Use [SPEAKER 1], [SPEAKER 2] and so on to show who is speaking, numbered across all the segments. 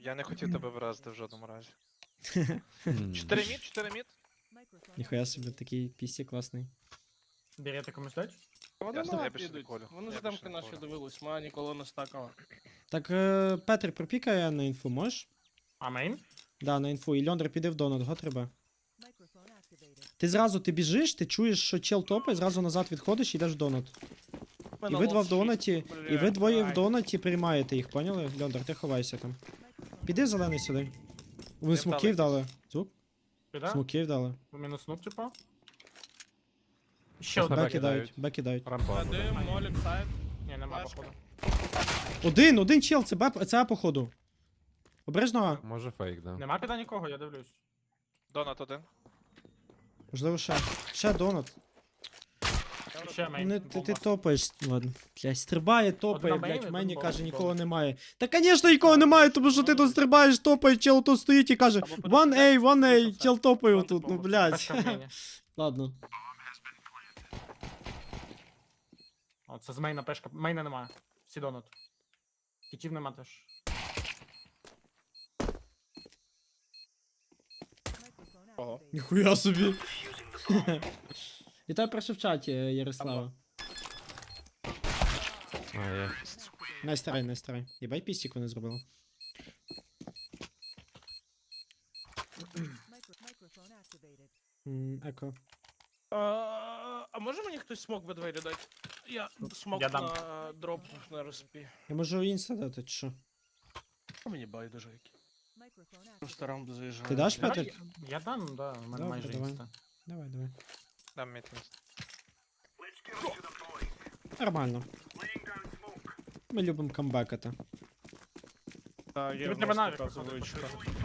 [SPEAKER 1] Я не хотів тебе вразити в жодному разі. 4 мід.
[SPEAKER 2] Ніхуя собі, такий пісі класний.
[SPEAKER 3] Берете комусь дать?
[SPEAKER 4] Вони
[SPEAKER 1] Ясно,
[SPEAKER 4] на
[SPEAKER 1] я
[SPEAKER 4] ап
[SPEAKER 1] більше не
[SPEAKER 4] ідуть.
[SPEAKER 1] колю.
[SPEAKER 4] Вони
[SPEAKER 1] Я
[SPEAKER 4] за
[SPEAKER 1] більше
[SPEAKER 4] демки
[SPEAKER 1] не
[SPEAKER 4] наші
[SPEAKER 1] колю.
[SPEAKER 4] дивились, мене ніколи не стакало.
[SPEAKER 2] Так, Петр, пропікає на інфу, можеш?
[SPEAKER 3] А мейн?
[SPEAKER 2] Да, на інфу. І Льондр піде в донат, го треба. Ти зразу ти біжиш, ти чуєш, що чел топає, зразу назад відходиш і йдеш в донат. І ви два в донаті, і ви двоє в донаті приймаєте їх, поняли? Льондр, ти ховайся там. Піди зелений сюди. Вони
[SPEAKER 1] Не
[SPEAKER 2] смоків
[SPEAKER 1] вдали.
[SPEAKER 2] дали. Звук?
[SPEAKER 3] Піде?
[SPEAKER 2] Смоків дали.
[SPEAKER 3] Мінус нук, типа. Ще
[SPEAKER 5] Щас на
[SPEAKER 3] один.
[SPEAKER 2] Беки дають, беки дають.
[SPEAKER 5] Рампа.
[SPEAKER 4] Дим, молік, сайт.
[SPEAKER 3] Ні, нема
[SPEAKER 4] Флешка.
[SPEAKER 3] походу.
[SPEAKER 2] Один чел, це А походу. Обережно А.
[SPEAKER 5] Може фейк, да.
[SPEAKER 3] Нема піда нікого, я дивлюсь.
[SPEAKER 1] Донат один.
[SPEAKER 2] Можливо, ще. Ще донат.
[SPEAKER 3] Ще мейн.
[SPEAKER 2] Ну, ти
[SPEAKER 3] бомба.
[SPEAKER 2] топаєш, ладно. Блядь, стрибає, топає,
[SPEAKER 3] Одна мейн,
[SPEAKER 2] блядь, в
[SPEAKER 3] один
[SPEAKER 2] мені
[SPEAKER 3] бомб,
[SPEAKER 2] каже,
[SPEAKER 3] бомб.
[SPEAKER 2] нікого немає. Та, звісно, нікого немає, тому що ти тут стрибаєш, топає, чел тут стоїть і каже, 1A, 1A, чел топає тут, ну, блядь.
[SPEAKER 3] Пешка в мейні.
[SPEAKER 2] Ладно.
[SPEAKER 3] О, це з мейна пешка. Мейна немає. Всі донат. Кітів нема теж.
[SPEAKER 4] Ого.
[SPEAKER 2] Ніхуя собі. Вітаю перше в чаті, Ярослава.
[SPEAKER 5] А, є.
[SPEAKER 2] Найстарай, найстарай. Єбай пістік вони зробили. Еко.
[SPEAKER 4] А може мені хтось смок в двері дати? Я смок
[SPEAKER 3] Я дам.
[SPEAKER 4] на дроп на респі.
[SPEAKER 2] Я можу інста дати, чи що?
[SPEAKER 4] А мені байдуже які. Просто раунд заїжджає.
[SPEAKER 2] Ти даш,
[SPEAKER 3] Давай,
[SPEAKER 2] Петр?
[SPEAKER 3] Я дам, да, у мене
[SPEAKER 2] Добре,
[SPEAKER 3] майже
[SPEAKER 2] давай.
[SPEAKER 3] інста.
[SPEAKER 2] Давай, давай.
[SPEAKER 1] Дам мід інст.
[SPEAKER 2] Нормально. Ми любимо камбекати.
[SPEAKER 4] Так, є
[SPEAKER 3] Тобі
[SPEAKER 4] в
[SPEAKER 3] треба
[SPEAKER 4] нас
[SPEAKER 3] навік
[SPEAKER 4] така
[SPEAKER 3] виходити,
[SPEAKER 4] звичка.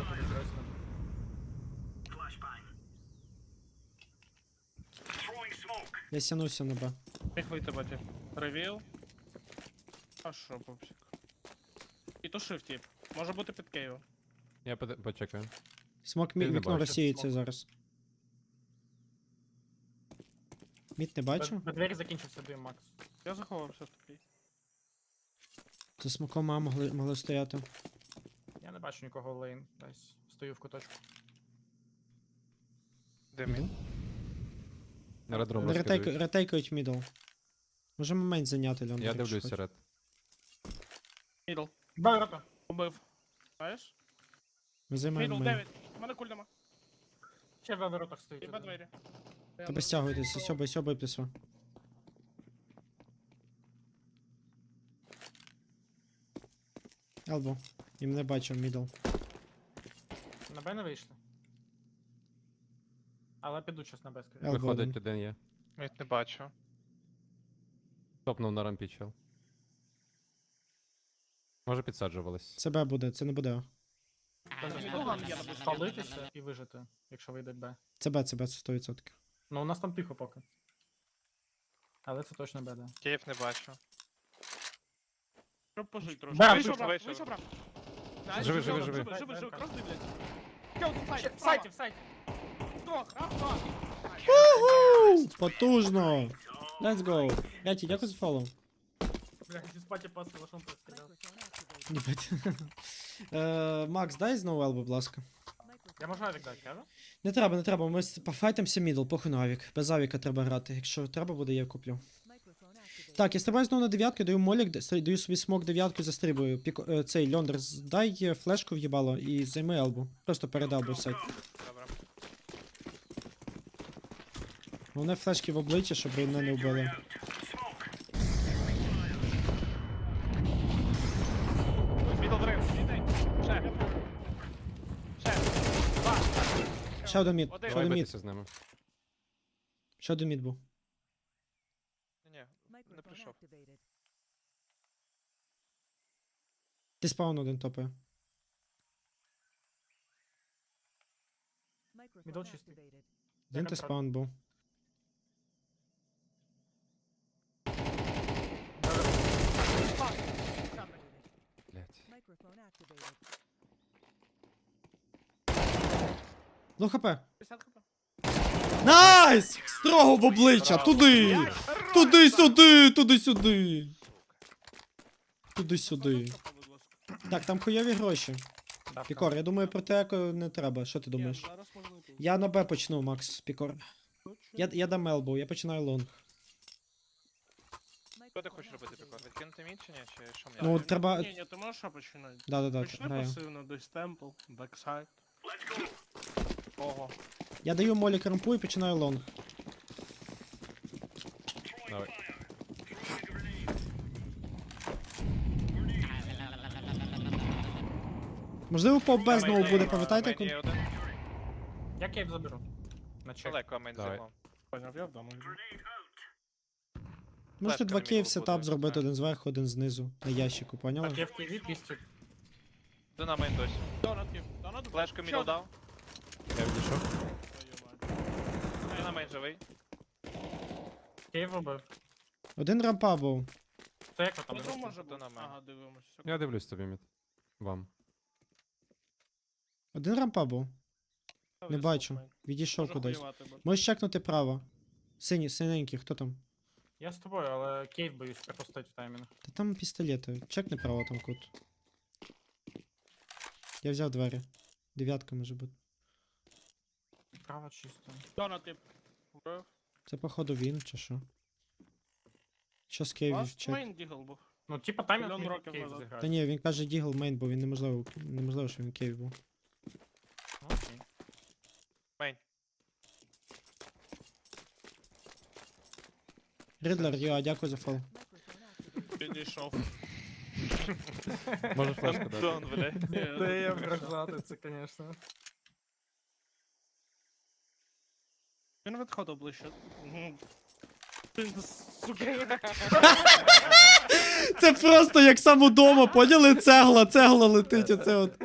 [SPEAKER 2] Я сянуся на Б.
[SPEAKER 4] Як вийти, батя? Ревіл. А що, пупсик? І то shift тип. Може бути під Києвом.
[SPEAKER 5] Я почекаю.
[SPEAKER 2] Смок
[SPEAKER 5] Ти не
[SPEAKER 2] вікно
[SPEAKER 5] бачиш.
[SPEAKER 2] розсіється
[SPEAKER 3] Смок.
[SPEAKER 2] зараз. Мід не бачу.
[SPEAKER 3] На двері закінчився дим, Макс.
[SPEAKER 4] Я заховався в такий.
[SPEAKER 2] За смоком А могли стояти.
[SPEAKER 3] Я не бачу нікого в лейн. Десь стою в куточку.
[SPEAKER 1] Де мід?
[SPEAKER 5] На редром розкидають.
[SPEAKER 2] Ретейкають мідл. Можемо мейн зайняти, Льон.
[SPEAKER 5] Я дивлюсь ред.
[SPEAKER 4] Мідл.
[SPEAKER 3] Бай, рота.
[SPEAKER 4] Убив. Знаєш?
[SPEAKER 2] Ми займаємо
[SPEAKER 4] Мідл,
[SPEAKER 2] мейн.
[SPEAKER 4] 9. У мене куль нема.
[SPEAKER 3] Ще в воротах стоїть.
[SPEAKER 4] І по двері.
[SPEAKER 2] Тебе стягуйтеся, сьобай плюсо. Елбо. І мене бачив мідл.
[SPEAKER 3] На Б не вийшли. Але підуть щас на Б, скоріше.
[SPEAKER 2] Елбо один.
[SPEAKER 5] Виходить один є.
[SPEAKER 1] Мід не бачу.
[SPEAKER 5] Топнув на рампі чел. Може підсаджувались.
[SPEAKER 2] Це Б буде, це не буде.
[SPEAKER 3] Спалитися і вижити, якщо вийде Б.
[SPEAKER 2] Це Б, це 100%.
[SPEAKER 3] Ну у нас там тихо поки. Але це точно Б, да.
[SPEAKER 1] Київ не бачу.
[SPEAKER 4] Щоб пожить трошки.
[SPEAKER 3] Да,
[SPEAKER 4] Вийшов,
[SPEAKER 1] вийшов,
[SPEAKER 4] брат,
[SPEAKER 1] вийшов.
[SPEAKER 4] вийшов, брат.
[SPEAKER 5] Живи, живи, живи.
[SPEAKER 4] Живи, крос дивляться. Кел, тут сайт,
[SPEAKER 3] В сайті, в сайті.
[SPEAKER 4] Вдвох, раз, два.
[SPEAKER 2] Потужно! Let's go! Яті, дякую за фоллоу.
[SPEAKER 3] Бля, зі спаті пас калашом постріляв.
[SPEAKER 2] Їбать. Макс, дай знову елбо, будь ласка.
[SPEAKER 3] Я можу авік дати, кажу?
[SPEAKER 2] Не треба, ми пофайтимося мідл, похуй на авік. Без авіка треба грати. Якщо треба буде, я куплю. Так, я стрибаю знову на дев'ятку, даю молік, даю собі смок дев'ятку, застрибую. Цей Льондер, дай флешку в'їбало і займи елбу. Просто перед елбу в сайт.
[SPEAKER 1] Добре.
[SPEAKER 2] Головне флешки в обличчя, щоб мене не вбили.
[SPEAKER 1] Мідл дрив. Ще. Ще. Два.
[SPEAKER 2] Ще один мід,
[SPEAKER 1] Один.
[SPEAKER 2] ще
[SPEAKER 5] Давай
[SPEAKER 2] один мід,
[SPEAKER 5] битися з ними.
[SPEAKER 2] ще один мід був.
[SPEAKER 1] Ні, не прийшов.
[SPEAKER 2] Ти спаун один топає.
[SPEAKER 3] Мідл чистий.
[SPEAKER 2] Один ти спаун був.
[SPEAKER 5] Блять.
[SPEAKER 2] Ну хп.
[SPEAKER 4] 50 хп.
[SPEAKER 2] Найс! Строго в обличчя! Туди! Туди-сюди! Туди-сюди! Туди-сюди. Так, там хуйові гроші.
[SPEAKER 3] Ставка.
[SPEAKER 2] Пікор, я думаю, про те не треба. Що ти думаєш?
[SPEAKER 4] Ні, зараз можна тут.
[SPEAKER 2] Я на Б почну, Макс, Пікор. Я дам елбоу, я починаю лонг.
[SPEAKER 1] Що ти хочеш робити, Пікор? Відкинути мід чи ні? Чи що мені?
[SPEAKER 2] Ну, треба.
[SPEAKER 4] Ні, ти можеш що починати?
[SPEAKER 2] Да,
[SPEAKER 4] Почни
[SPEAKER 2] граю.
[SPEAKER 4] пасивно, десь темпл, бексайд.
[SPEAKER 1] Ого.
[SPEAKER 2] Я даю молі крампу і починаю лонг.
[SPEAKER 5] Давай.
[SPEAKER 2] Можливо, по Б знову
[SPEAKER 1] Мейн
[SPEAKER 2] буде,
[SPEAKER 1] є,
[SPEAKER 2] пам'ятаєте?
[SPEAKER 1] мейн є один.
[SPEAKER 3] Я кейв заберу. На чек.
[SPEAKER 1] Далеко мейн
[SPEAKER 5] Давай.
[SPEAKER 1] займо.
[SPEAKER 4] Поняв, я вдома.
[SPEAKER 2] Можете
[SPEAKER 1] Флешка
[SPEAKER 2] два
[SPEAKER 1] на
[SPEAKER 2] кейв
[SPEAKER 1] міду
[SPEAKER 2] сетап
[SPEAKER 1] буде,
[SPEAKER 2] зробити,
[SPEAKER 1] так.
[SPEAKER 2] один зверху, один знизу. На ящику, поняли?
[SPEAKER 3] Так, я в кейві 200.
[SPEAKER 1] Один на мейн досі.
[SPEAKER 4] Донат є. Донат
[SPEAKER 1] Флешку мідл дав.
[SPEAKER 5] Я відійшов.
[SPEAKER 1] Один на мейн живий.
[SPEAKER 3] Кейв робив.
[SPEAKER 2] Один рампа був.
[SPEAKER 3] Це як ви там?
[SPEAKER 4] Там може
[SPEAKER 1] то
[SPEAKER 4] бути.
[SPEAKER 1] на мене.
[SPEAKER 4] Ага, дивимося.
[SPEAKER 5] Я дивлюсь тобі, мід. Вам.
[SPEAKER 2] Один рампа був. Не
[SPEAKER 4] Висок
[SPEAKER 2] бачу.
[SPEAKER 4] мейн.
[SPEAKER 2] Відійшов
[SPEAKER 4] Може
[SPEAKER 2] кудись.
[SPEAKER 4] хуювати буде.
[SPEAKER 2] Можеш чекнути право. Синенький, хто там?
[SPEAKER 3] Я з тобою, але кейв боюсь пропустити в таймінг.
[SPEAKER 2] Та там пістолети. Чекни право там кут. Я взяв двері. Дев'ятка може бути.
[SPEAKER 3] Право чисто.
[SPEAKER 4] Донат є. Вбив.
[SPEAKER 2] Це походу він чи що? Що з кейвів
[SPEAKER 4] Ласт
[SPEAKER 2] чек?
[SPEAKER 4] мейн дігл був.
[SPEAKER 3] Ну, типа таймінг
[SPEAKER 4] Мільйон
[SPEAKER 3] міг
[SPEAKER 4] років
[SPEAKER 3] кейв
[SPEAKER 4] назад.
[SPEAKER 3] зіграти.
[SPEAKER 2] Та ні, він каже дігл мейн, бо він неможливо, що він кейв був.
[SPEAKER 3] Окей.
[SPEAKER 1] Мейн.
[SPEAKER 2] Рідлер, йо, дякую за фол.
[SPEAKER 4] Підійшов.
[SPEAKER 5] Може флешку дати.
[SPEAKER 1] Дон, блядь.
[SPEAKER 3] Де я вражати це, звісно.
[SPEAKER 4] Він відходив ближче. Мгм. Він, сука,
[SPEAKER 2] Це просто як сам удома, поняли? Цегла летить, оце от.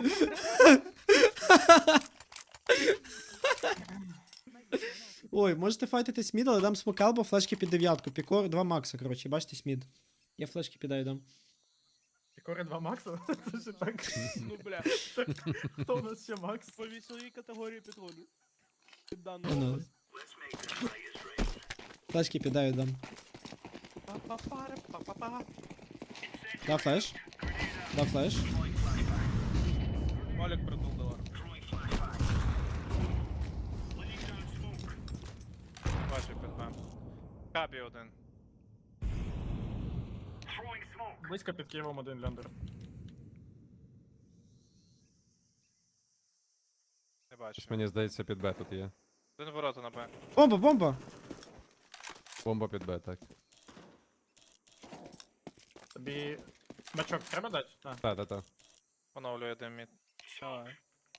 [SPEAKER 2] Ой, можете файтитись мід, але дам смокал, бо флешки під дев'ятку. Пікор, 2 макса, коротше, бачите мід. Я флешки підаю дам.
[SPEAKER 3] Пікори 2 Макса? Це ж так.
[SPEAKER 4] ну бля.
[SPEAKER 3] Хто у нас ще Макс?
[SPEAKER 4] По вісовій категорії підходить. Під
[SPEAKER 2] Ну,
[SPEAKER 4] дану
[SPEAKER 2] ну.
[SPEAKER 4] область.
[SPEAKER 2] Флешки підаю дам.
[SPEAKER 4] Па-па-пара, па-па-па.
[SPEAKER 2] Да флеш. Да флеш.
[SPEAKER 4] Олег придул долар.
[SPEAKER 1] Бачу під Б. Кабі один.
[SPEAKER 3] Близько під Києвом один льондер.
[SPEAKER 1] Не бачу.
[SPEAKER 5] Мені здається, під Б тут є.
[SPEAKER 1] Один ворота на Б.
[SPEAKER 2] Бомба, бомба!
[SPEAKER 5] Бомба під Б, так.
[SPEAKER 3] Тобі смачок треба дати? А.
[SPEAKER 5] Та.
[SPEAKER 1] Поновлює один мід.
[SPEAKER 4] Давай.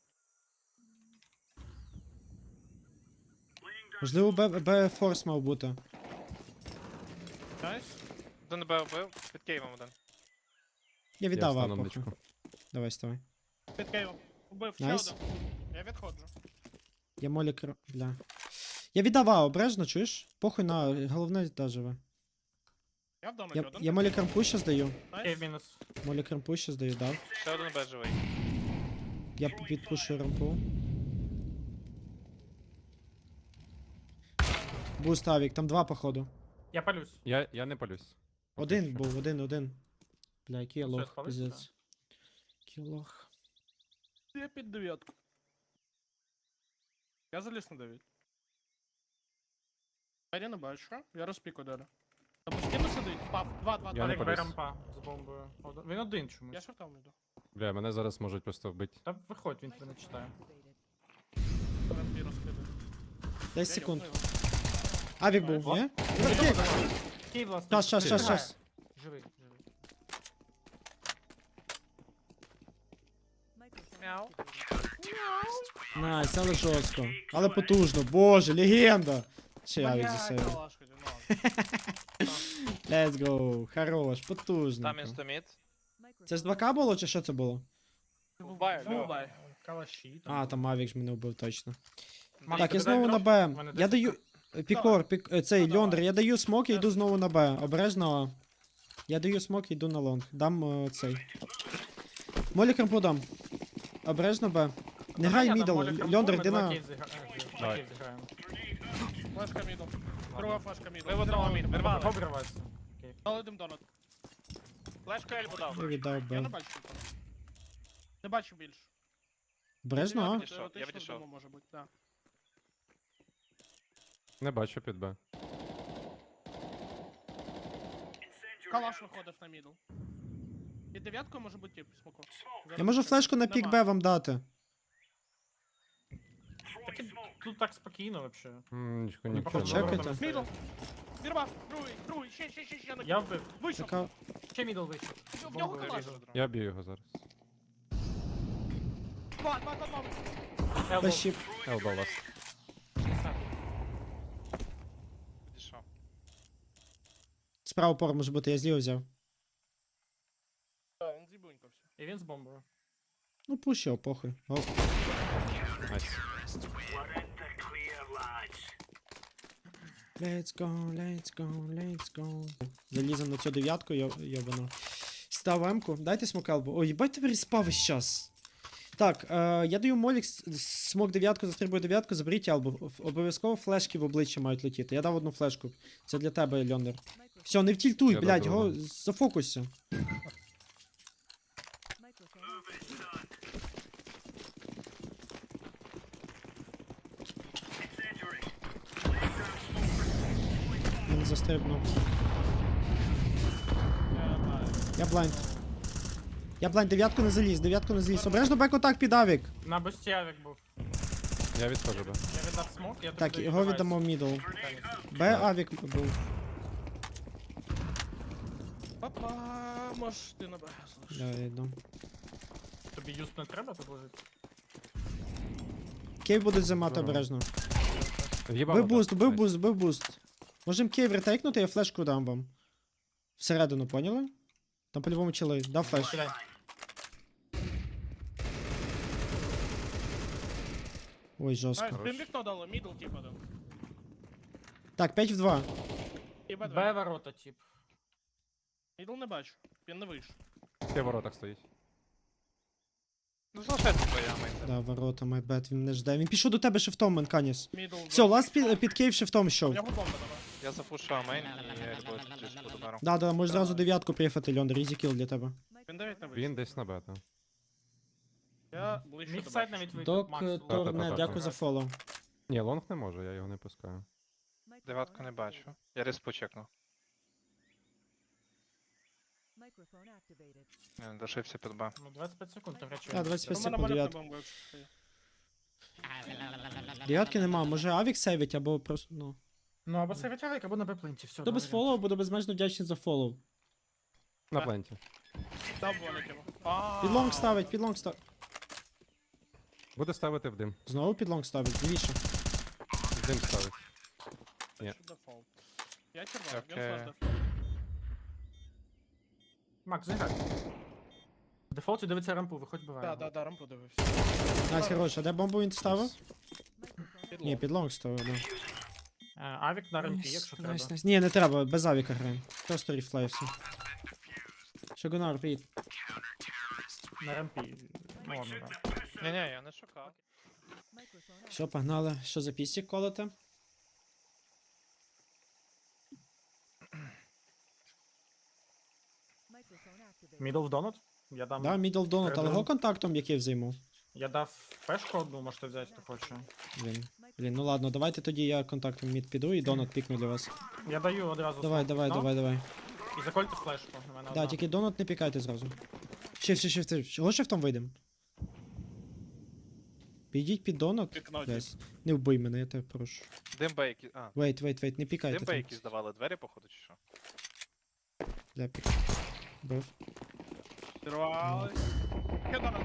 [SPEAKER 2] Можливо, Б форс мав бути.
[SPEAKER 4] Найс.
[SPEAKER 1] Один Б вбив. Під Києвом один.
[SPEAKER 2] Я
[SPEAKER 5] Я
[SPEAKER 2] віддав
[SPEAKER 5] встану
[SPEAKER 2] апоху.
[SPEAKER 5] ничку.
[SPEAKER 2] Давай, ставай.
[SPEAKER 4] Під Києвом. Убив ще
[SPEAKER 2] Найс.
[SPEAKER 4] один. Я відходжу.
[SPEAKER 2] Я молі бля. Я віддав А, обережно, чуєш? Похуй на головне та живе.
[SPEAKER 4] Я в донаті
[SPEAKER 2] Я,
[SPEAKER 4] один.
[SPEAKER 2] я молі крампу ще здаю.
[SPEAKER 4] Найс.
[SPEAKER 3] Кейв мінус.
[SPEAKER 2] Молі крампу ще здаю, дав.
[SPEAKER 1] Ще один Б живий.
[SPEAKER 2] Я підпушую рампу. Буст авік, там 2 походу.
[SPEAKER 3] Я палюсь.
[SPEAKER 5] Я не палюсь.
[SPEAKER 2] Один був, один. Бля, який я
[SPEAKER 3] Все,
[SPEAKER 2] лох,
[SPEAKER 3] спалися,
[SPEAKER 2] пиздець. Який лох.
[SPEAKER 4] Я під дев'ятку. Я заліз на 9. Я не бачу. Я розпіку далі. На постійно сидить. Пав. 2.
[SPEAKER 5] Я не
[SPEAKER 3] Олег
[SPEAKER 5] поліз.
[SPEAKER 3] рампа з бомбою. Він один чомусь.
[SPEAKER 4] Я шортом йду.
[SPEAKER 5] Бля, мене зараз можуть просто вбити.
[SPEAKER 3] Та виходь, він тебе не читає.
[SPEAKER 4] Рампі розкидаю.
[SPEAKER 2] 10 секунд.
[SPEAKER 4] Я йобну
[SPEAKER 2] Авік був,
[SPEAKER 3] Ва-
[SPEAKER 2] ні?
[SPEAKER 3] Кейв власне.
[SPEAKER 2] Щас.
[SPEAKER 3] Живий.
[SPEAKER 1] Мяу.
[SPEAKER 2] Найс, але жорстко. Але потужно, боже, легенда. Ще авік
[SPEAKER 4] його.
[SPEAKER 2] засейвив.
[SPEAKER 4] Бля, калашка, ну.
[SPEAKER 2] Let's go, хорош, потужно.
[SPEAKER 1] Там інстамід.
[SPEAKER 2] Це ж 2К було чи що це було?
[SPEAKER 1] Буває,
[SPEAKER 4] Бувай.
[SPEAKER 3] Калаші.
[SPEAKER 2] А, там Авік ж мене вбив точно.
[SPEAKER 3] Макс,
[SPEAKER 2] Так,
[SPEAKER 3] ти
[SPEAKER 2] я
[SPEAKER 3] дай
[SPEAKER 2] знову на
[SPEAKER 3] дроп?
[SPEAKER 2] Б.
[SPEAKER 3] У мене
[SPEAKER 2] Я
[SPEAKER 3] 10
[SPEAKER 2] даю. Пікор, цей
[SPEAKER 4] Ну,
[SPEAKER 2] Льондр,
[SPEAKER 4] давай.
[SPEAKER 2] я даю смок і йду знову на Б. Обережно. А. Я даю смок і йду на лонг. Дам цей. Молі крампу дам. Обережно Б. Не грай
[SPEAKER 3] Понятно,
[SPEAKER 2] мідл.
[SPEAKER 3] Молі крампу,
[SPEAKER 2] Льондр,
[SPEAKER 3] ми
[SPEAKER 2] йди
[SPEAKER 3] два
[SPEAKER 2] на.
[SPEAKER 3] кейв
[SPEAKER 5] Давай.
[SPEAKER 3] зіграємо.
[SPEAKER 4] Флешка мідл. Друга флешка мідл.
[SPEAKER 1] Ми в одному мід. Вирвали.
[SPEAKER 3] Обривайся. Кейв.
[SPEAKER 4] Дали один донат.
[SPEAKER 1] Флешку Ельбу дав.
[SPEAKER 2] Я віддав
[SPEAKER 4] Я не
[SPEAKER 2] Б.
[SPEAKER 4] бачу нікого. Не бачу більше.
[SPEAKER 2] Бережно, а?
[SPEAKER 1] відійшов, я
[SPEAKER 4] Теоретично
[SPEAKER 1] відійшов.
[SPEAKER 4] вдома може бути, да.
[SPEAKER 5] Не бачу під Б.
[SPEAKER 4] Калаш виходив на мідл. Під дев'яткою може бути тип, смоку.
[SPEAKER 2] Я можу флешку на пік Б вам дати.
[SPEAKER 3] Так і тут так спокійно вообще.
[SPEAKER 5] Нічого,
[SPEAKER 3] Не
[SPEAKER 5] нічого.
[SPEAKER 2] Чекайте.
[SPEAKER 4] Мідл! Вірвав! Другий, ще на
[SPEAKER 3] Я вбив.
[SPEAKER 4] Вийшов!
[SPEAKER 2] Така...
[SPEAKER 3] Ще мідл вийшов.
[SPEAKER 4] В нього
[SPEAKER 3] Бомбу
[SPEAKER 4] калаш!
[SPEAKER 3] вирізав.
[SPEAKER 5] Я б'ю його зараз.
[SPEAKER 4] Два.
[SPEAKER 3] Elbow.
[SPEAKER 2] Плащі.
[SPEAKER 5] Елба вас.
[SPEAKER 3] 60.
[SPEAKER 1] Відійшов.
[SPEAKER 2] Справа пор може бути, я зліво взяв.
[SPEAKER 4] Так, він зібунькався.
[SPEAKER 3] І він з бомбою.
[SPEAKER 2] Ну пусть його, похуй. О,
[SPEAKER 5] Найс.
[SPEAKER 2] let's go. Залізем на цю дев'ятку, йобано. Став М-ку. Дайте смок елбу. Ой, їбать тебе респав весь час. Так, я даю молік, смок дев'ятку, застрибую дев'ятку, заберіть елбу. Обов'язково флешки в обличчя мають летіти. Я дав одну флешку. Це для тебе, Льондер. Все, не втільтуй,
[SPEAKER 5] Я
[SPEAKER 2] блядь,
[SPEAKER 5] дав
[SPEAKER 2] його
[SPEAKER 5] другу.
[SPEAKER 2] зафокуйся. Він застрибнув. Я блайнд. Я блайнд, дев'ятку не заліз. Обережно беко так під авік.
[SPEAKER 3] На бусті авік був.
[SPEAKER 5] Я відходжу Б.
[SPEAKER 3] Я віддав смок, я тобі
[SPEAKER 2] Так,
[SPEAKER 3] даю
[SPEAKER 2] його
[SPEAKER 3] девайс.
[SPEAKER 2] віддамо в мідл. Б авік був.
[SPEAKER 4] Папа, можеш ти на Б, слушай.
[SPEAKER 2] Да, я йду.
[SPEAKER 3] Тобі юст не треба тут лежить?
[SPEAKER 2] Кейв буде займати
[SPEAKER 5] Здорово.
[SPEAKER 2] обережно.
[SPEAKER 5] В'їбав
[SPEAKER 2] Бив
[SPEAKER 5] вода.
[SPEAKER 2] буст, бив
[SPEAKER 5] Найс.
[SPEAKER 2] буст, бив буст. Можем кейв ретейкнути, я флешку дам вам. Всередину, поняли? Там по-любому чили. Дав флеш.
[SPEAKER 3] Кидай.
[SPEAKER 2] Ой, жорстко.
[SPEAKER 4] Найс,
[SPEAKER 5] Хорош.
[SPEAKER 4] він вікно дало, мідл тип один.
[SPEAKER 2] Так, 5 в 2.
[SPEAKER 4] І Б2.
[SPEAKER 3] Б ворота, тип.
[SPEAKER 4] Мідл не бачу, він не вийшов.
[SPEAKER 5] Ти в воротах стоїть.
[SPEAKER 1] Ну, залишайся твоя мейн.
[SPEAKER 2] Да, ворота, майбет, він не жде. Він пішов до тебе шифтом, Менканіс.
[SPEAKER 4] Мідл.
[SPEAKER 2] Все, ласт під кейв шифтом
[SPEAKER 4] У
[SPEAKER 2] йшов.
[SPEAKER 4] нього бомба давай.
[SPEAKER 1] Я запушав мейн і я рибою тут буду баром.
[SPEAKER 2] Да, можеш зразу дев'ятку приїхати, Льондер, ізі кіл для тебе.
[SPEAKER 4] Він 9 не вийшов.
[SPEAKER 5] Він десь на Б, так.
[SPEAKER 4] Я ближче
[SPEAKER 3] Міг
[SPEAKER 4] до
[SPEAKER 3] сайт
[SPEAKER 4] Б.
[SPEAKER 3] навіть вийти.
[SPEAKER 2] Док,
[SPEAKER 3] Макс,
[SPEAKER 5] Та-та-та.
[SPEAKER 2] Торне, дякую за фоллоу.
[SPEAKER 5] Ні, лонг не може, я його не пускаю.
[SPEAKER 1] Дев'ятку не бачу. Я респу чекнув. Не, дошився під Б.
[SPEAKER 3] Ну, 25 секунд, ти речі.
[SPEAKER 2] Да, 25
[SPEAKER 4] У мене
[SPEAKER 2] секунд,
[SPEAKER 4] малюк на
[SPEAKER 2] дев'ятка.
[SPEAKER 4] бомбу, якщо є.
[SPEAKER 2] Дев'ятки нема, може авік сейвить, або просто, ну.
[SPEAKER 3] Ну, або сейвить авік, або на Б-пленті, все.
[SPEAKER 2] Хто без фоллоу, буду безмежно вдячний за фоллоу.
[SPEAKER 5] На
[SPEAKER 4] Так.
[SPEAKER 5] пленті.
[SPEAKER 4] Дав волик йому.
[SPEAKER 2] Під лонг ставить, під лонг ставить.
[SPEAKER 5] Буде ставити в дим.
[SPEAKER 2] Знову під лонг ставить, лівіше.
[SPEAKER 5] В дим ставить. Ні.
[SPEAKER 4] Дефолт. Я червоний, він
[SPEAKER 1] Окей.
[SPEAKER 4] флеш дефолт.
[SPEAKER 3] Макс, зіграй. В дефолті дивиться рампу, виходь буває.
[SPEAKER 4] Да, рампу дивився.
[SPEAKER 2] Найс, хорош, а де бомбу він ставив?
[SPEAKER 4] Під
[SPEAKER 2] Ні,
[SPEAKER 4] лоб.
[SPEAKER 2] під лонг ставив, да.
[SPEAKER 3] Авік на рампі, якщо треба.
[SPEAKER 2] Найс. Ні, не треба, без авіка граємо. Просто ріфлей все. Шагунар, привіт.
[SPEAKER 3] На рампі. Ну, ладно, да.
[SPEAKER 1] Ні-ні, я не шукав.
[SPEAKER 2] Що, погнали? Що за пістік колоте?
[SPEAKER 3] Мідл в донат? Я дам.
[SPEAKER 2] Да, мідл донат, але
[SPEAKER 3] Передаю.
[SPEAKER 2] його контактом який взайму?
[SPEAKER 3] Я дав пешку одну, можете взяти, хто хоче.
[SPEAKER 2] Блін, ну ладно, давайте тоді я контактом мід піду і донат пікну для вас.
[SPEAKER 3] Я даю одразу.
[SPEAKER 2] Давай,
[SPEAKER 3] смок
[SPEAKER 2] давай,
[SPEAKER 3] вікно,
[SPEAKER 2] давай.
[SPEAKER 3] І закольте флешку. У мене
[SPEAKER 2] Да,
[SPEAKER 3] одна.
[SPEAKER 2] тільки донат не пікайте зразу. Шифт. Чого шифтом вийдем? Підіть під донат.
[SPEAKER 4] Вікно,
[SPEAKER 2] Guys. Не вбий мене, я тебе прошу.
[SPEAKER 1] Димба якісь. А,
[SPEAKER 2] Wait, не пікайте.
[SPEAKER 1] димба
[SPEAKER 2] там.
[SPEAKER 1] якісь давали двері, походу, чи що?
[SPEAKER 2] Бля, пік. Бив.
[SPEAKER 4] Зірвались. Ще донат.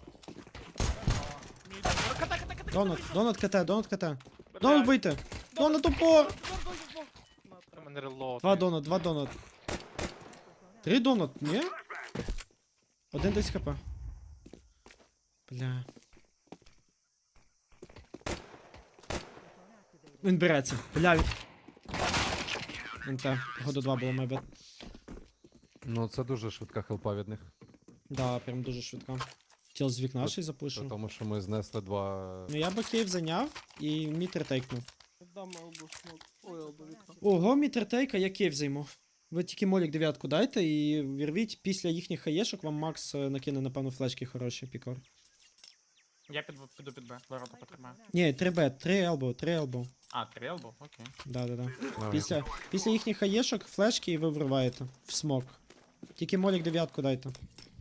[SPEAKER 4] Мідл. Ката.
[SPEAKER 2] Донат КТ. Донат бийте! Донат упор!
[SPEAKER 1] У мене релоуд.
[SPEAKER 2] Два донат. 3 донат, ні? 1 10 хп. Бля. Він береться. Бля. НТ. Году 2 було майбет.
[SPEAKER 5] Ну, це дуже швидка хелпа від них.
[SPEAKER 2] Да, прям дуже швидко. Тіл з вікна ще й
[SPEAKER 5] Це
[SPEAKER 2] запушу.
[SPEAKER 5] тому, що ми знесли два.
[SPEAKER 2] Ну я би кейв зайняв і мід ретейкнув.
[SPEAKER 4] Дам елбу смок. Ой, елбу вікно.
[SPEAKER 2] Ого, мід ретейка, я кейв займу. Ви тільки молік дев'ятку дайте і вірвіть після їхніх хаєшок вам Макс накине, напевно, флешки хороші, пікор.
[SPEAKER 3] Я піду під Б, ворота потримаю.
[SPEAKER 2] Ні, 3Б, 3 елбоу, 3 елбоу.
[SPEAKER 3] А, 3 елбо? Окей.
[SPEAKER 2] Да.
[SPEAKER 5] Давай.
[SPEAKER 2] Після їхніх хаєшок, флешки і ви вриваєте в смок. Тільки молік 9 дайте.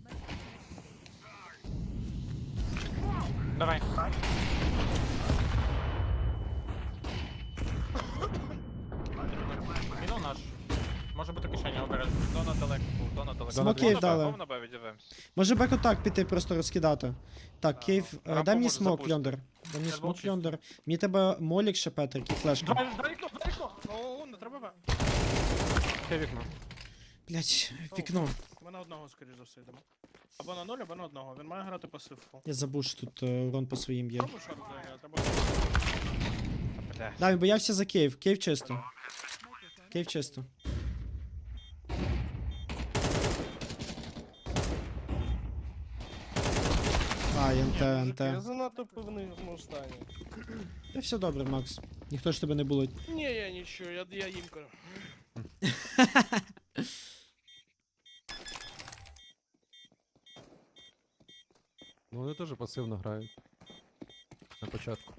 [SPEAKER 3] Давай. Міну наш. Може бути кишеня обережно.
[SPEAKER 1] Донат далеко був, донат далеко.
[SPEAKER 2] Смоків
[SPEAKER 1] Повна
[SPEAKER 2] дали.
[SPEAKER 1] Б, повна Б, відіваємось.
[SPEAKER 2] Може бек-отак піти просто розкидати. Так, Кейв,
[SPEAKER 1] рампу
[SPEAKER 2] дай мені
[SPEAKER 1] може
[SPEAKER 2] смок,
[SPEAKER 1] запустити.
[SPEAKER 2] Льондер. Дай мені
[SPEAKER 3] Я
[SPEAKER 2] смок,
[SPEAKER 3] чисто.
[SPEAKER 2] Льондер. Мені тебе молік ще, Петрик, і флешка.
[SPEAKER 3] Давай вікно, дай вікно!
[SPEAKER 4] О, не треба Б.
[SPEAKER 3] Це вікно.
[SPEAKER 2] Блять, вікно.
[SPEAKER 4] Ми на одного, скоріш за все, йдемо. Або на 0, або на одного. Він має грати пасивку.
[SPEAKER 2] Я забув, що тут урон по своїм є.
[SPEAKER 4] Пробуй шорт зайняти, або...
[SPEAKER 1] Бля.
[SPEAKER 2] Да, він боявся за Кейв. Кейв чисто. Кейв чисто. А, НТ.
[SPEAKER 4] Я занадто певний в моєму стані.
[SPEAKER 2] Та все добре, Макс. Ніхто ж тебе не булить.
[SPEAKER 4] Ні, я нічого, я їмкаю.
[SPEAKER 5] Ну вони теж пасивно грають. На початку.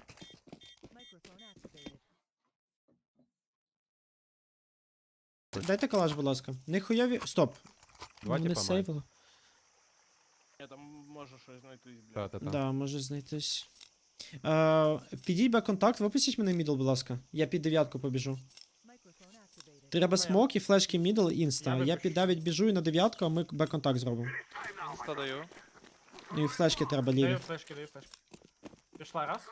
[SPEAKER 2] Дайте калаш, будь ласка. Не хуйові. Стоп.
[SPEAKER 5] Два
[SPEAKER 2] Вони
[SPEAKER 5] типа мають.
[SPEAKER 2] сейвили.
[SPEAKER 4] Я там можу щось знайти, блядь.
[SPEAKER 5] Та.
[SPEAKER 2] Да, може знайтись. Підіть бек-контакт, випустіть мене мідл, будь ласка. Я під 9 побіжу. Треба смок і флешки мідл, інста.
[SPEAKER 3] Я
[SPEAKER 2] Я під 9 біжу і на 9, а ми бек-контакт зробимо.
[SPEAKER 1] Інста даю.
[SPEAKER 2] Ну і флешки треба ліві.
[SPEAKER 3] Даю флешки. Пішла раз.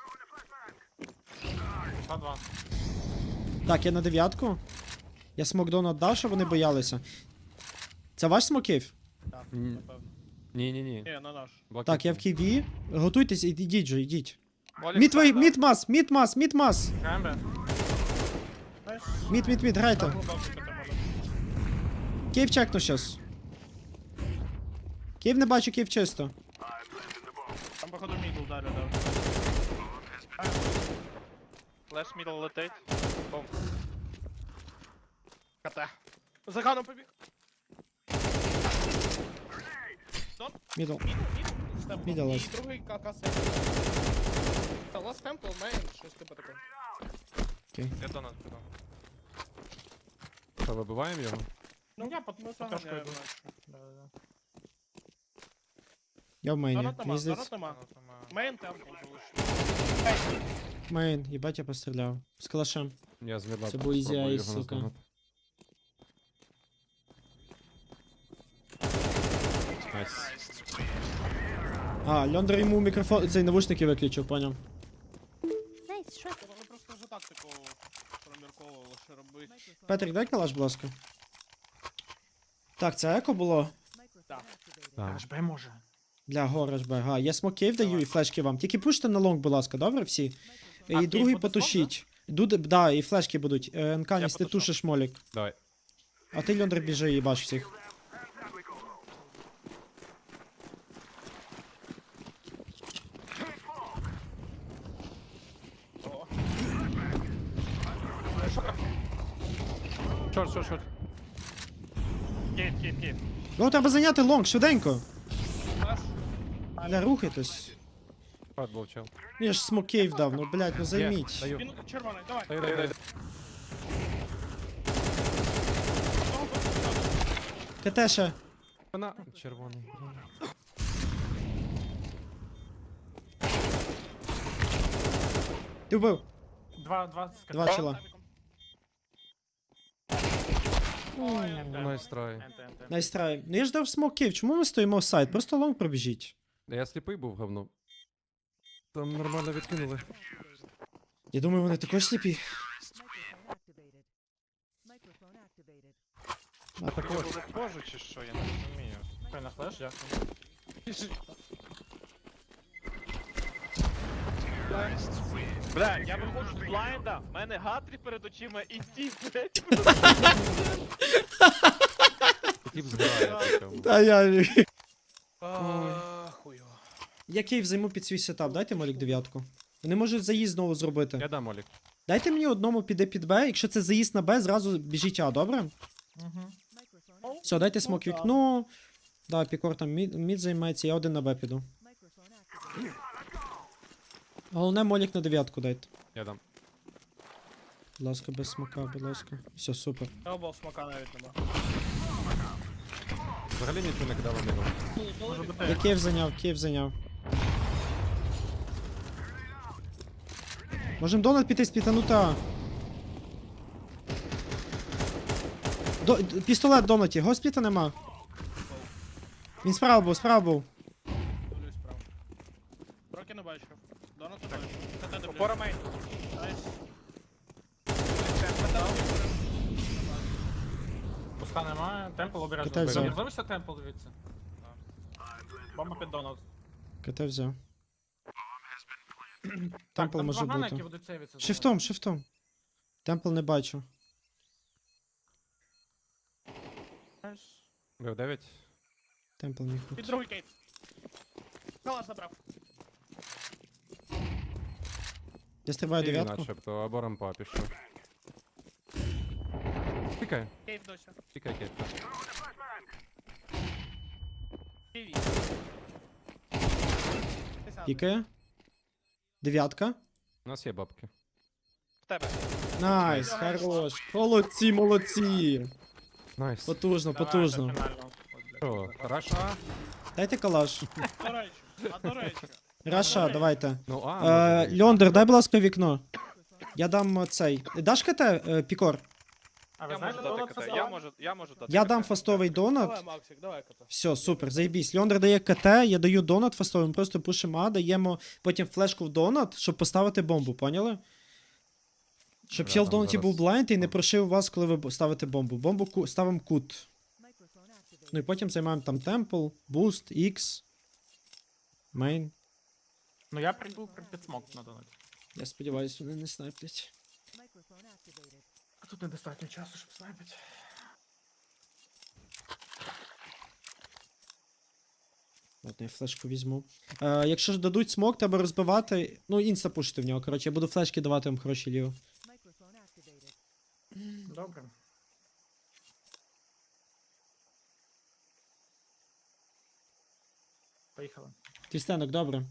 [SPEAKER 3] Пішла два.
[SPEAKER 2] Так, я на 9. Я смок дон віддав, щоб вони боялися. Це ваш смоків?
[SPEAKER 4] Так,
[SPEAKER 5] Ні.
[SPEAKER 4] напевно.
[SPEAKER 5] Ні.
[SPEAKER 4] Ні, на наш.
[SPEAKER 2] Так, я в ківі. Готуйтесь, ідіть же, ідіть.
[SPEAKER 1] Молік
[SPEAKER 2] Мід твої,
[SPEAKER 1] сам,
[SPEAKER 2] мід мас.
[SPEAKER 3] Граємо Б.
[SPEAKER 4] Найс.
[SPEAKER 2] Мід, грайте.
[SPEAKER 4] Так, глибоко піти може.
[SPEAKER 2] Кейв чекну щас. Кейв не бачу, кейв чисто.
[SPEAKER 4] Там, походу, мідл далі дав.
[SPEAKER 1] да. Флеш мідл летить. Бом.
[SPEAKER 4] КТ. За ганом побіг.
[SPEAKER 2] Мідл.
[SPEAKER 4] Стемпл.
[SPEAKER 2] Мідл
[SPEAKER 4] І
[SPEAKER 2] ласт.
[SPEAKER 4] другий КК Та ласт темпл, мейн, щось типу таке.
[SPEAKER 1] Я донат піду.
[SPEAKER 5] Що, вибиваємо його?
[SPEAKER 3] Ну я по
[SPEAKER 4] Ми
[SPEAKER 3] трошку
[SPEAKER 4] заганяємо,
[SPEAKER 3] йду.
[SPEAKER 4] наче.
[SPEAKER 3] Да.
[SPEAKER 2] Я в мейні.
[SPEAKER 4] Донат нема,
[SPEAKER 2] Мені здається.
[SPEAKER 4] донат нема.
[SPEAKER 1] Донат нема.
[SPEAKER 4] Мейн темпл залишив.
[SPEAKER 2] Мейн, їбать я постріляв. З калашем.
[SPEAKER 5] Я з мідла
[SPEAKER 2] Це був easy
[SPEAKER 5] спробую
[SPEAKER 2] eyes,
[SPEAKER 5] його
[SPEAKER 2] сука.
[SPEAKER 5] наздогнати. Найс.
[SPEAKER 2] А, Льондер йому мікрофон, цей навушники виключив, поняв.
[SPEAKER 4] Вони просто вже тактику промірковували, що робити.
[SPEAKER 2] Петрик, дай калаш, будь ласка. Так, це еко було.
[SPEAKER 4] Так.
[SPEAKER 5] Так.
[SPEAKER 3] Аж Б може.
[SPEAKER 2] Для гора ж Б. Ага, я смоків даю і флешки вам. Тільки пуште на лонг, будь ласка, добре всі?
[SPEAKER 3] А,
[SPEAKER 2] І
[SPEAKER 3] Кейв
[SPEAKER 2] другий
[SPEAKER 3] буде
[SPEAKER 2] потушіть. Да, і флешки будуть. Нканіс, ти
[SPEAKER 1] потушу.
[SPEAKER 2] тушиш молік.
[SPEAKER 5] Давай.
[SPEAKER 2] А ти, Льондер, біжи і баш всіх.
[SPEAKER 4] О,
[SPEAKER 5] Шорт.
[SPEAKER 1] Кейв.
[SPEAKER 2] Ну, треба зайняти лонг, швиденько.
[SPEAKER 4] флеш.
[SPEAKER 2] Бля, рухайтесь.
[SPEAKER 5] Шорт був чел.
[SPEAKER 2] Я ж смоків дав, ну, блядь, ну
[SPEAKER 5] Є,
[SPEAKER 2] займіть.
[SPEAKER 5] даю.
[SPEAKER 4] Він червоний, давай.
[SPEAKER 5] Даю.
[SPEAKER 2] КТ ще.
[SPEAKER 5] Вона червоний.
[SPEAKER 2] Ти вбив.
[SPEAKER 3] Два
[SPEAKER 2] Два чела.
[SPEAKER 5] Найс трай.
[SPEAKER 2] Найстрай. Ну я ж дав смоків, чому ми стоїмо в сайт? Просто лонг пробіжіть.
[SPEAKER 5] Я сліпий був говно. Там нормально відкинули.
[SPEAKER 2] Я думаю, вони також сліпі.
[SPEAKER 1] А також. Боже, чи що, я не розумію.
[SPEAKER 3] Ой, на флеш, дякую.
[SPEAKER 1] Бля, я виходжу з блайнда, в мене Гатрі перед очима і ті, блядь.
[SPEAKER 5] Тіп зграє. причому.
[SPEAKER 2] Та я.
[SPEAKER 4] Хуйово.
[SPEAKER 2] Я Кейв займу під свій сетап, дайте Молік 9. Вони можуть заїзд знову зробити.
[SPEAKER 5] Я дам Олік.
[SPEAKER 2] Дайте мені одному піде під Б, якщо це заїзд на Б, зразу біжіть А, добре? Все, дайте смок
[SPEAKER 4] Ну,
[SPEAKER 2] вікно. Да, Пікор там мід займається, я один на Б піду. Головне, молік на 9 дайте.
[SPEAKER 5] Я дам.
[SPEAKER 2] Будь ласка, без смака, будь ласка. Все, супер.
[SPEAKER 4] Елбол смока навіть нема.
[SPEAKER 5] Взагалі нічого не кидав мідом.
[SPEAKER 3] Може бути.
[SPEAKER 2] Я Київ зайняв. Можем донат піти спітанути А. Пістолет в донаті, госпіта нема. Він справа був.
[SPEAKER 4] Дивлюсь справа. Роки не бачу. Донат не бачу. КТ дивлюсь.
[SPEAKER 1] Опора мейн.
[SPEAKER 4] Найс.
[SPEAKER 3] Пуска немає, темпл обережно.
[SPEAKER 2] Китай взяв.
[SPEAKER 3] Залишся темпл, дивіться. Бомба під донат.
[SPEAKER 2] КТ взяв.
[SPEAKER 3] Так,
[SPEAKER 2] Темпл
[SPEAKER 3] там
[SPEAKER 2] може
[SPEAKER 3] два гана, які
[SPEAKER 2] бути.
[SPEAKER 3] будуть сейвитися.
[SPEAKER 2] Шифтом. Темпл не бачу.
[SPEAKER 4] Найс.
[SPEAKER 5] Бив 9.
[SPEAKER 2] Темпл міг
[SPEAKER 4] Під
[SPEAKER 2] бути.
[SPEAKER 4] другий кейт. Калаш забрав.
[SPEAKER 2] Я стрибаю
[SPEAKER 5] Тіві
[SPEAKER 2] 9.
[SPEAKER 5] начебто, або рампа пішов. Пікай,
[SPEAKER 4] Кейт досі.
[SPEAKER 5] пікай, кейт.
[SPEAKER 4] Ківі.
[SPEAKER 2] Пікає. 9.
[SPEAKER 5] У нас є бабки.
[SPEAKER 1] В тебе.
[SPEAKER 2] Найс, хорош. Молодці.
[SPEAKER 5] Найс.
[SPEAKER 2] Потужно.
[SPEAKER 5] Що, хорошо?
[SPEAKER 2] Дайте калаш.
[SPEAKER 4] До речі.
[SPEAKER 2] Раша, давайте.
[SPEAKER 5] Ну, може,
[SPEAKER 2] Льондер, дай, будь ласка, вікно. Я дам цей. Даш КТ, Пікор?
[SPEAKER 3] А ви
[SPEAKER 1] Я
[SPEAKER 3] знаєте,
[SPEAKER 1] можу
[SPEAKER 3] донат
[SPEAKER 1] дати КТ.
[SPEAKER 3] фасад?
[SPEAKER 1] Я можу дати
[SPEAKER 2] Я
[SPEAKER 1] КТ.
[SPEAKER 2] дам фастовий донат.
[SPEAKER 4] Давай, Максик, давай кота.
[SPEAKER 2] Все, супер, заєбісь. Льондер дає КТ, я даю донат фастовий, ми просто пушимо А, даємо потім флешку в донат, щоб поставити бомбу, поняли? Щоб
[SPEAKER 5] Бля,
[SPEAKER 2] чел в
[SPEAKER 5] там
[SPEAKER 2] донаті
[SPEAKER 5] зараз-
[SPEAKER 2] був блайнд і не прошив вас, коли ви ставите бомбу. Бомбу ставимо кут. Ну і потім займаємо там темпл, буст, X, мейн.
[SPEAKER 3] Ну я прийду під смок на донаті.
[SPEAKER 2] Я сподіваюся, вони не снайплять.
[SPEAKER 3] А тут недостатньо часу, щоб снайпити.
[SPEAKER 2] Ладно, я флешку візьму. Якщо ж дадуть смок, треба розбивати. Ну, інста пушити в нього. Коротше, я буду флешки давати вам хороші ліво.
[SPEAKER 3] Добре. Поїхали.
[SPEAKER 2] Твістенок, добре.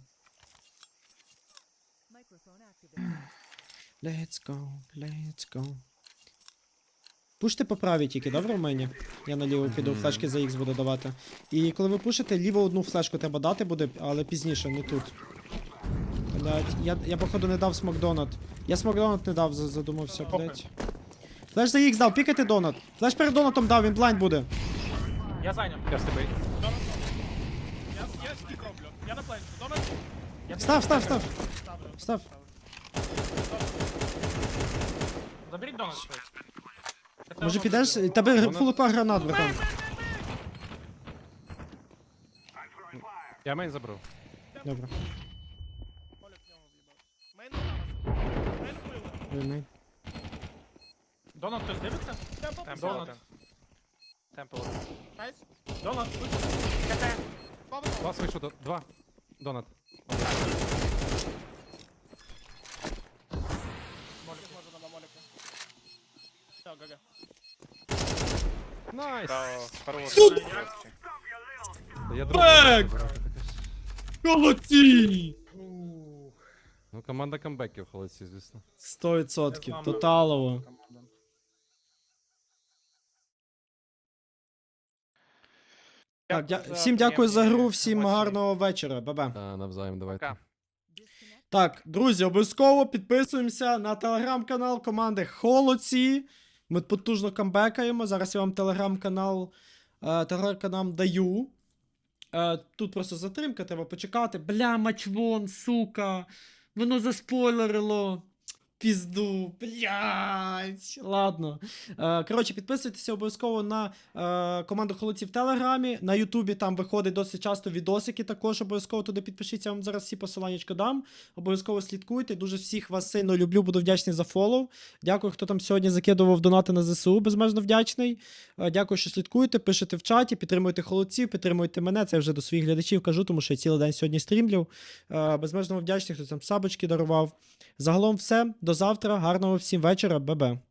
[SPEAKER 2] Let's go. Пуште по правій тільки, добре в мені? Я наліво піду, флешки за X буду давати. І коли ви пушите, ліво одну флешку треба дати буде, але пізніше, не тут. Блять, я походу не дав смокдонат. Я смокдонат не дав, задумався, блять. Флеш за X дав, пікайте донат. Флеш перед донатом дав, він блайнд буде.
[SPEAKER 3] Я зайняв.
[SPEAKER 5] Я з тебе.
[SPEAKER 4] Я стік роблю. Я на пленці. Донат.
[SPEAKER 2] Став.
[SPEAKER 4] Ставлю.
[SPEAKER 2] Став.
[SPEAKER 3] Заберіть донат щось.
[SPEAKER 2] Може підеш? Тебе фулупа гранат, братан.
[SPEAKER 5] Я мейн забрав.
[SPEAKER 2] Добре.
[SPEAKER 4] Молік в нього в'їбав. Мейн зараз. Мейн вбили.
[SPEAKER 2] Мейн.
[SPEAKER 3] Донат хтось дивиться?
[SPEAKER 1] Темпл
[SPEAKER 3] Донат.
[SPEAKER 1] один. Темпл.
[SPEAKER 4] Найс.
[SPEAKER 3] Донат.
[SPEAKER 4] Бабу.
[SPEAKER 5] Вас вийшов до 2. Донат.
[SPEAKER 4] Молік може на моліку. Все, ГГ.
[SPEAKER 5] Найс!
[SPEAKER 1] Браво. Хорош.
[SPEAKER 5] Я другий.
[SPEAKER 2] Молодці!
[SPEAKER 5] Ну, команда камбеків холодці, звісно.
[SPEAKER 2] 100%. Тоталово. Так, всім дякую за гру, всім гарного вечора. Ба-ба.
[SPEAKER 5] Та, навзаєм, давайте.
[SPEAKER 1] Пока.
[SPEAKER 2] Так, друзі, обов'язково підписуємося на телеграм-канал команди Холодці. Ми потужно камбекаємо. Зараз я вам телеграм-канал даю. Тут просто затримка, треба почекати. Бля, матчвон, сука. Воно заспойлерило. Пізду, блядь. Ладно. Коротше, підписуйтеся обов'язково на команду Холодці в Телеграмі. На Ютубі там виходить досить часто відосики також. Обов'язково туди підпишіться, я вам зараз всі посиланнячка дам. Обов'язково слідкуйте. Дуже всіх вас сильно люблю, буду вдячний за фоллоу. Дякую, хто там сьогодні закидував донати на ЗСУ, безмежно вдячний. Дякую, що слідкуєте, пишете в чаті, підтримуйте Холодців, підтримуйте мене. Це я вже до своїх глядачів кажу, тому що я цілий день сьогодні стрімлю. Безмежно вдячний, хто там сабочки дарував. Загалом все. До завтра. Гарного всім вечора. Бе-бе.